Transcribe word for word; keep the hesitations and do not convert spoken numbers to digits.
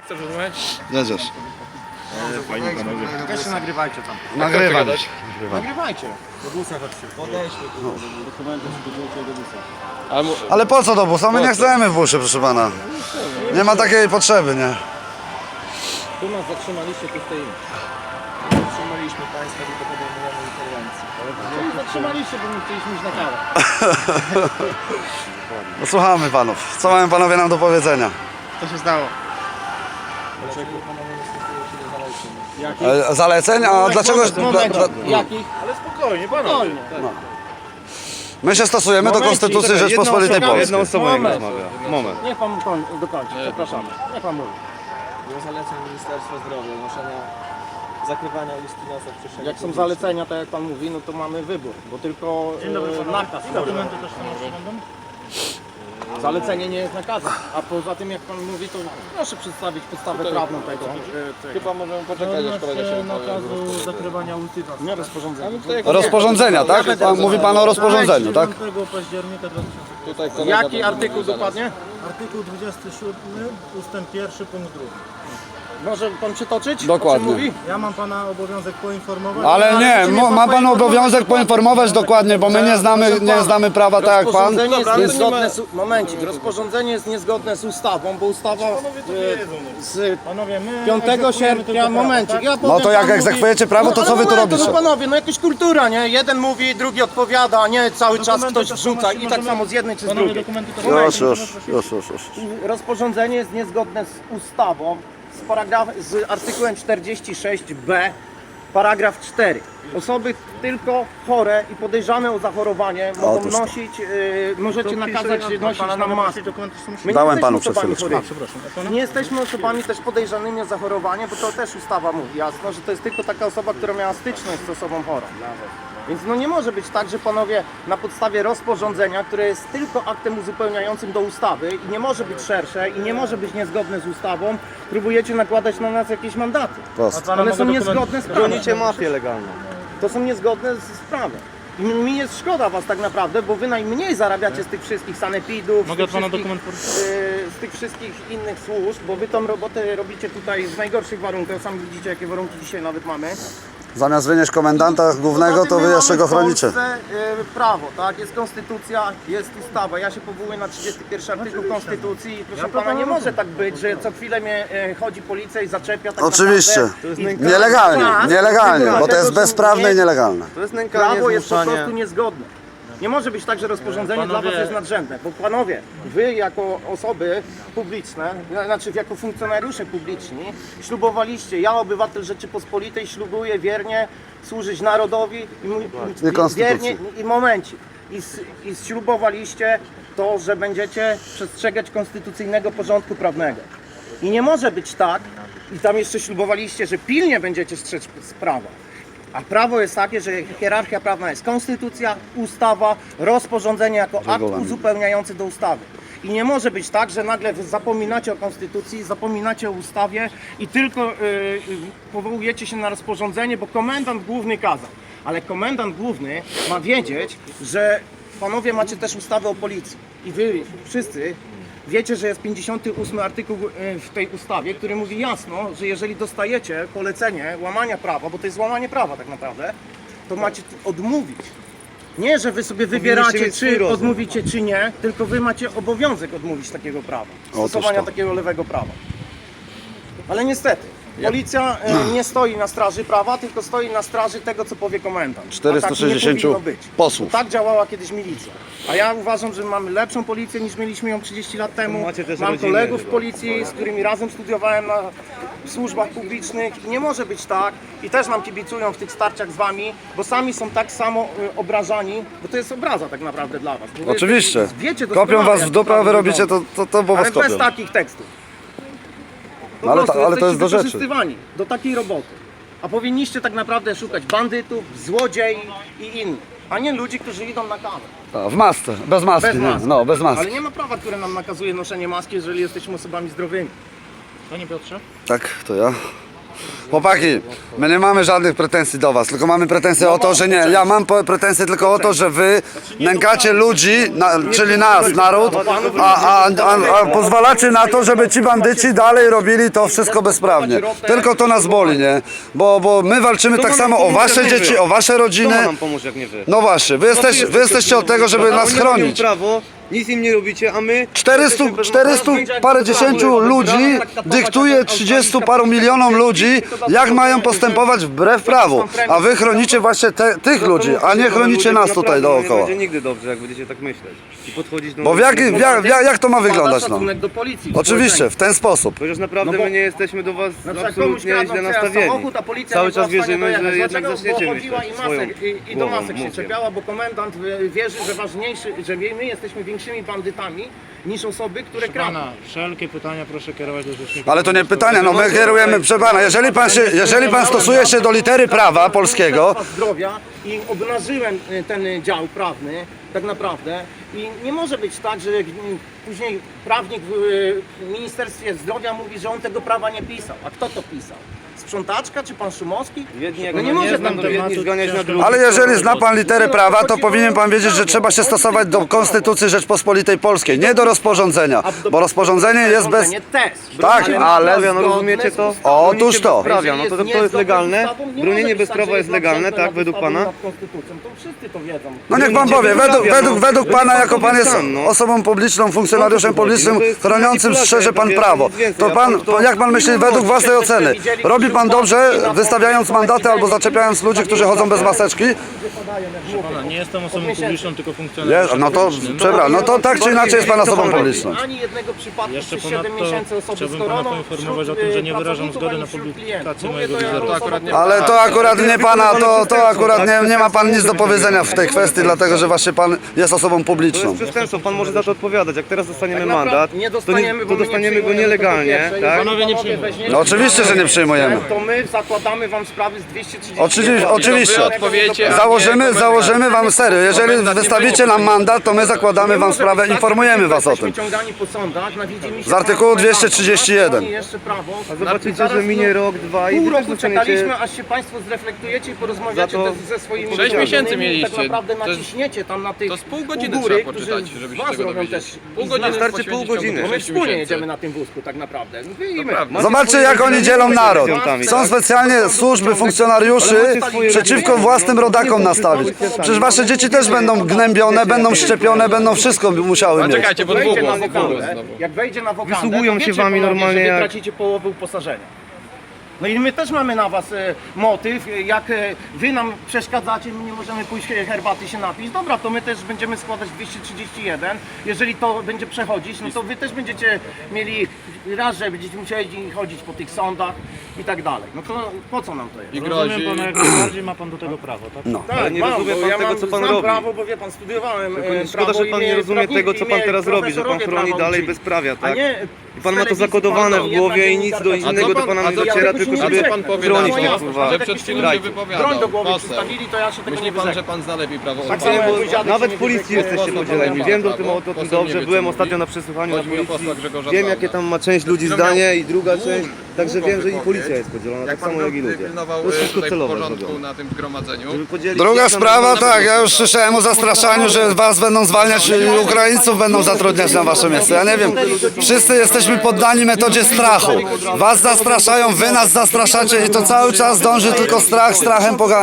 Chcesz rozmawiać? Jedziesz. Fajnie panowie. Też się nagrywajcie tam. Nagrywam. Nagrywajcie. Do busa chodźcie. Podejdźmy tu. Dokumenty przygotujcie do busa. Ale, mu... Ale po co do busa? My nie chcemy w busie, proszę pana. Nie ma takiej potrzeby, nie? Tu nas zatrzymaliście, tu stoimy. Zatrzymaliśmy Państwa, tylko podejmujemy interwencję. Ale zatrzymaliście, bo my chcieliśmy iść na kawę. No, słuchamy panów. Co mają panowie nam do powiedzenia? Co się stało? Dlaczego panowie nie stosują się do zaleceń? Jakich? E, zaleceń? A dlaczego... Moment, Dla, dla, Jakich? Ale spokojnie, panowie. my się stosujemy do Momencik, Konstytucji czekaj, Rzeczpospolitej jedna osoba- Polskiej. Jedna osoba jak Moment. rozmawia. Moment. Niech pan koń- dokończy, przepraszamy. Niech pan mówi. Było zaleceń Ministerstwa Zdrowia, noszenia, zakrywania ust i nosa w przestrzeni Jak są publicznej. zalecenia, tak jak pan mówi, no to mamy wybór, bo tylko e, nakaz. Dokumenty też są Zalecenie nie jest nakazem, a poza tym jak pan mówi, to proszę przedstawić podstawę prawną tego. Chyba możemy poczekać, aż kolega się nakazu zakrywania ust i nosa. Nie rozporządzenie. Rozporządzenia, tak? Pan, mówi pan o rozporządzeniu, tak? dziewiątego października dwa tysiące piątego. Tutaj kolega Jaki do- artykuł dokładnie? Artykuł dwudziesty siódmy, ustęp pierwszy, punkt drugi. Może pan przytoczyć? Dokładnie. O czym mówi? Ja mam pana obowiązek poinformować. Ale nie, mo- ma pan obowiązek poinformować dokładnie, bo my nie znamy, nie znamy prawa tak jak pan. Rozporządzenie jest Więc niezgodne z... Momencik, rozporządzenie jest niezgodne z ustawą, bo ustawa e, z Panowie, my piątego egzekwujemy sierpnia, tylko prawo, momencik, tak? ja No powiem, to jak pan mówi- egzekwujecie prawo, to No, co ale wy tu momentu, robicie? No panowie, no jakaś kultura, nie? Jeden mówi, drugi odpowiada, a nie cały czas Dokumenty ktoś to są wrzuca właśnie i tak możemy- samo z jednej czy z Panowie, drugiej. dokumenty to są Już, już, już, już, już. Rozporządzenie jest niezgodne z ustawą, z, paragraf, z artykułem czterdzieści sześć b, paragraf cztery. Osoby tylko chore i podejrzane o zachorowanie mogą Otóż to. nosić, yy, możecie nakazać nosić nam maskę. My nie Dałem jesteśmy panu przed osobami chwileczką. chorymi. Nie jesteśmy osobami też podejrzanymi o zachorowanie, bo to też ustawa mówi jasno, że to jest tylko taka osoba, która miała styczność z osobą chorą. Więc no nie może być tak, że panowie na podstawie rozporządzenia, które jest tylko aktem uzupełniającym do ustawy i nie może być szersze i nie może być niezgodne z ustawą, próbujecie nakładać na nas jakieś mandaty. Prost. One są niezgodne z prawem. Bronicie mafię legalną. To są niezgodne z z prawem. I mi jest szkoda was tak naprawdę, bo wy najmniej zarabiacie z tych wszystkich sanepidów, Mogę z, od pana tych dokument wszystkich, yy, z tych wszystkich innych służb, bo wy tą robotę robicie tutaj w najgorszych warunkach. Sami widzicie, jakie warunki dzisiaj nawet mamy. Zamiast wynieść komendanta głównego, Poza to tym wy my jeszcze mamy go w chronicie. Polsce, yy, prawo, tak? Jest konstytucja, jest ustawa. Ja się powołuję na trzydziesty pierwszy artykuł konstytucji i proszę pana, nie może tak być, że co chwilę mnie yy, chodzi policja i zaczepia tak Oczywiście. naprawdę. Nielegalnie, Tak, nielegalnie, bo to dlatego, jest że bezprawne i nie- nielegalne. To jest nękanie, Prawo jest po zmuszanie. prostu niezgodne. Nie może być tak, że rozporządzenie Panowie- dla was jest nadrzędne, bo panowie, wy jako osoby publiczne, znaczy jako funkcjonariusze publiczni, ślubowaliście, ja obywatel Rzeczypospolitej ślubuję wiernie służyć narodowi i, mu- I konstytucji. wiernie i momencie. I, s- I ślubowaliście to, że będziecie przestrzegać konstytucyjnego porządku prawnego. I nie może być tak, i tam jeszcze ślubowaliście, że pilnie będziecie strzec prawa. A prawo jest takie, że hierarchia prawna jest konstytucja, ustawa, rozporządzenie jako akt Regulamin. uzupełniający do ustawy. I nie może być tak, że nagle wy zapominacie o konstytucji, zapominacie o ustawie i tylko yy, yy, powołujecie się na rozporządzenie, bo komendant główny kazał. Ale komendant główny ma wiedzieć, że panowie macie też ustawę o policji. I wy wszyscy wiecie, że jest pięćdziesiąty ósmy artykuł y, w tej ustawie, który mówi jasno, że jeżeli dostajecie polecenie łamania prawa, bo to jest łamanie prawa tak naprawdę, to macie t- odmówić. Nie, że wy sobie wybieracie, mieć swój czy rozum. odmówicie, czy nie, tylko wy macie obowiązek odmówić takiego prawa, Otóż stosowania to. takiego lewego prawa. Ale niestety, policja e, nie stoi na straży prawa, tylko stoi na straży tego, co powie komendant. A czterystu tak nie sześćdziesięciu powinno być. posłów. Tak działała kiedyś milicja. A ja uważam, że mamy lepszą policję niż mieliśmy ją trzydzieści lat temu. macie też Mam rodziny kolegów w chyba. policji, z którymi razem studiowałem na służbach publicznych i nie może być tak, i też nam kibicują w tych starciach z wami, bo sami są tak samo y, obrażani, bo to jest obraza tak naprawdę dla was. Bo wy Oczywiście. Wiecie Kopią doskonale, was w jak dupę, a wy sprawy robicie to, to, to bo was ale bez kopią. takich tekstów. Po No ale prostu ta- ale to jest jesteście do rzeczy. wykorzystywani do takiej roboty. A powinniście tak naprawdę szukać bandytów, złodziei i innych, a nie ludzi, którzy idą na kawę. A, w masce, bez maski, Bez nie? maski. No, bez Ale maski. nie ma prawa, które nam nakazuje noszenie maski, jeżeli jesteśmy osobami zdrowymi. Panie Piotrze, Tak, to ja. Chłopaki, my nie mamy żadnych pretensji do was, tylko mamy pretensje o to, że nie, ja mam po- pretensje tylko o to, że wy nękacie ludzi, na, czyli nas, naród, a, a, a, a pozwalacie na to, żeby ci bandyci dalej robili to wszystko bezprawnie. Tylko to nas boli, nie? Bo, bo my walczymy tak samo o wasze dzieci, o wasze rodziny. Kto ma nam pomóc jak nie wy? No właśnie, wy, jesteś, wy jesteście od tego, żeby nas Oni mają chronić. prawo, nic im nie robicie, a my... czterysta, czterysta parę dziesięciu ludzi dyktuje trzydziestu paru milionom ludzi, jak mają postępować wbrew prawu. A wy chronicie właśnie te, tych ludzi, a nie chronicie nas tutaj Nie dookoła. będzie nigdy dobrze, jak będziecie tak myśleć. I podchodzić do... Bo w jak, w jak, jak, jak to ma wyglądać, no? Szacunek do policji. Oczywiście, w ten sposób. Chociaż naprawdę No bo- my nie jesteśmy do was Na przykład komuś absolutnie kradną źle przejazd nastawieni. samochód, a policja Cały nie była czas w stanie wierzymy, że dojechać. jednak Dlaczego? zaczniecie Bo chodziła myśleć i, swoją masek, i, i do głową, masek się mózgiem. czepiała, bo komendant e, wierzy, że ważniejszy, że my jesteśmy większymi bandytami niż osoby, które kradną. Pana, wszelkie pytania proszę kierować do rzecznika. Ale to nie pytania, no my kierujemy, proszę pana, jeżeli pan, się, jeżeli pan stosuje się do litery prawa polskiego, Ministerstwa Zdrowia i obnażyłem e, ten e, dział prawny, tak naprawdę. I nie może być tak, że e, później prawnik w e, Ministerstwie Zdrowia mówi, że on tego prawa nie pisał. A kto to pisał? Sprzątaczka czy pan Szumowski? Jedni jak No nie nie może znam, tam to tematu jedni zganiać na ciężko- drugich. ale jeżeli zna pan literę prawa, to powinien pan wiedzieć, że trzeba się stosować do Konstytucji Rzeczpospolitej Polskiej, nie do rozporządzenia, bo rozporządzenie jest bez... Rozporządzenie też. Tak, ale- No rozumiecie to? O, Bronicie otóż to. bezprawia, no to, to, to jest legalne. Bronienie bezprawa jest legalne, tak, według pana? To wszyscy to wiedzą. No niech pan powie, według, według, według pana, jako pan jest osobą publiczną, funkcjonariuszem publicznym, chroniącym szczerze pan prawo, to pan, jak pan myśli, według własnej oceny, robi pan dobrze, wystawiając mandaty albo zaczepiając ludzi, którzy chodzą bez maseczki? Pana, nie jestem osobą miesięcy. publiczną, tylko Nie, funkcjonariuszem no to, publicznym. przepraszam, no to tak czy inaczej jest pan osobą publiczną. Ani jednego przypadku Jeszcze przez siedem ponadto miesięcy osoby chciałbym z pana koroną poinformować wśród, o tym, że y, nie wyrażam pracowników, zgody ani na wśród publikację klientów. mojego Mówię to jako wizerunek. osoba akurat nie- Ale to akurat nie pana, to, to akurat nie, nie ma pan nic do powiedzenia w tej kwestii, dlatego że właśnie pan jest osobą To publiczną. jest przestępstwo, pan może za to odpowiadać. Jak teraz dostaniemy Tak naprawdę mandat, nie to, nie, dostaniemy, to bo my nie dostaniemy go przyjmujemy nielegalnie, tego po pierwsze. tak? Jeżeli Panowie nie panowie przyjmują. weźmiecie No oczywiście, że nie przyjmujemy. to my zakładamy wam sprawy z dwieście trzydzieści. Oczywiście, oczywiście. Wy odpowiecie, a nie Założymy, komendant. założymy wam serio. Jeżeli wystawicie nam mandat, to my zakładamy wam sprawę, informujemy was o tym. Jesteśmy ciągani po sądach na widzimisię Z artykułu państwa dwieście trzydzieści jeden. Oni jeszcze prawo. A zobaczycie, Zaraz, że minie no, rok, dwa i Pół wy też roku dostaniecie... czekaliśmy, aż się państwo zreflektujecie i porozmawiacie Za to- te- ze swoimi Sześć rodzicami. miesięcy I mieliście. Tak naprawdę To jest- naciśniecie tam na tych to z pół godziny u góry, trzeba poczytać, którzy żeby się was tego robią dowiedzieć. też Pół i godziny znaczy, Wystarczy poświęcić pół w ciągu godziny. bo my sześciu wspólnie miesięcy. jedziemy na tym wózku tak naprawdę. Wy i my. Naprawdę. Zobaczcie, jak oni dzielą naród. Są specjalnie służby funkcjonariuszy przeciwko własnym rodakom nastawić. Przecież wasze dzieci też będą gnębione, będą szczepione, będą wszystko musiały A mieć. czekajcie, bo Wejdzie dwóch na was wokandę, znowu. jak wejdzie na wokandę, Wysługują to się wiecie, wami panowie, normalnie że wy jak- tracicie połowę uposażenia. No i my też mamy na was e, motyw, e, jak e, wy nam przeszkadzacie, my nie możemy pójść e, herbaty się napić, dobra, to my też będziemy składać dwieście trzydzieści jeden, jeżeli to będzie przechodzić, no to wy też będziecie mieli raz, że będziecie musieli chodzić po tych sądach i tak dalej. No to po co nam to jest? I grozi. Rozumiem pana, jak najbardziej ma pan do tego prawo, tak? No. Tak, Ale nie mam, rozumie bo pan ja tego, mam, co pan znam robi. prawo, bo wie pan, studiowałem Tylko e, szkoda, prawo że pan i nie mnie rozumie prawnicy tego, co i pan mnie teraz robi, że pan profesorowie chroni prawa dalej uczyli. bezprawia, A tak? nie I pan ma to telewizji zakodowane pana, w głowie jedna i nic do dziennikarka. innego A do co pana pan- nie a co dociera, pan- tylko a co żeby pan powie chronić na to? tą Że kurwa. Że przed chwilą się Grajcie. wypowiadał. Broń do głowy Poseł. przystawili, to ja się tego Myśli nie pan, wyrzekam. że pan zna lepiej prawo Tak używać? samo mój dziadek Nawet się w nie policji wyrzekł, jesteście poseł podzieleni. Pan Wiem o prawo. tym, o tym Poseł nie dobrze. wie, Byłem co ostatnio mówi. na przesłuchaniu na Chodzi mi o posła policji. Grzegorza Wiem, Brauna. jakie tam ma część ludzi Który miał zdanie i druga długą- część. Także długą wiem, że i wypowiedź. policja jest podzielona, Jak tak pan samo jak i ludzie. pilnował To jest e, wszystko tutaj celowe porządku zrobione. na tym zgromadzeniu. Żeby podzielić Druga ich tam- sprawa, tak, ja już słyszałem o zastraszaniu, że was będą zwalniać i Ukraińców będą zatrudniać na wasze miejsce. Ja nie wiem, wszyscy jesteśmy poddani metodzie strachu. Was zastraszają, wy nas zastraszacie i to cały czas dąży tylko strach, strachem poganiać.